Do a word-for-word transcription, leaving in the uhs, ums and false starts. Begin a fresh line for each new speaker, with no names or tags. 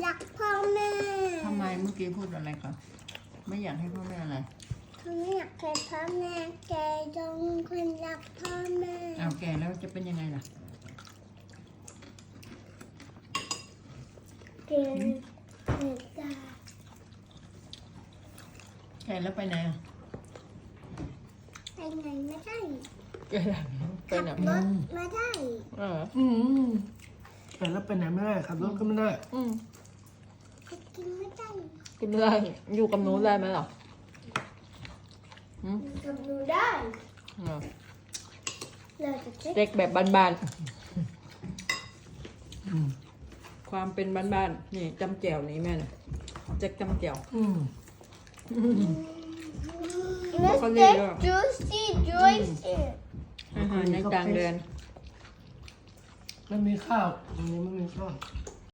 รักพ่อแม่
ทำไมเมื่อกี้พูดอะไรครับไม่อยากให้พ่อแม่อะไร
เขาไม่อยากให้พ่อแม่แกต้องคนรักพ่อแม่
อ้าวแก่แล้วจะเป็นยังไงล่ะ
เกินเกิดตา
แก่แล้วไปไหนอ่ะ
ไปไหนไม่ได้
แก่แล้วไป
ขับ
ไหน
รถไม่ได้
เออ
อืมแต่แล้วไปไหนไม่ได้ขับรถก็ไม่ได้
อืม
ไปกินไม่ได้
กินไม่ได้อยู่กับหนูได้ไหมหรออืม
กับหนูได้
เออ
เราจะเช็ค
เด็กแบบบ้าน
อืม
ๆความเป็นบ้านๆนี่จำแจ่วนี่แม่น่ะเจ๊กจำแจ่ว
อืม
แล้วก็เรียกว่า
juicy juicy
อาหารในต่างแดน
ไม่มีข้าวตรงนี้ไม่มีข้าว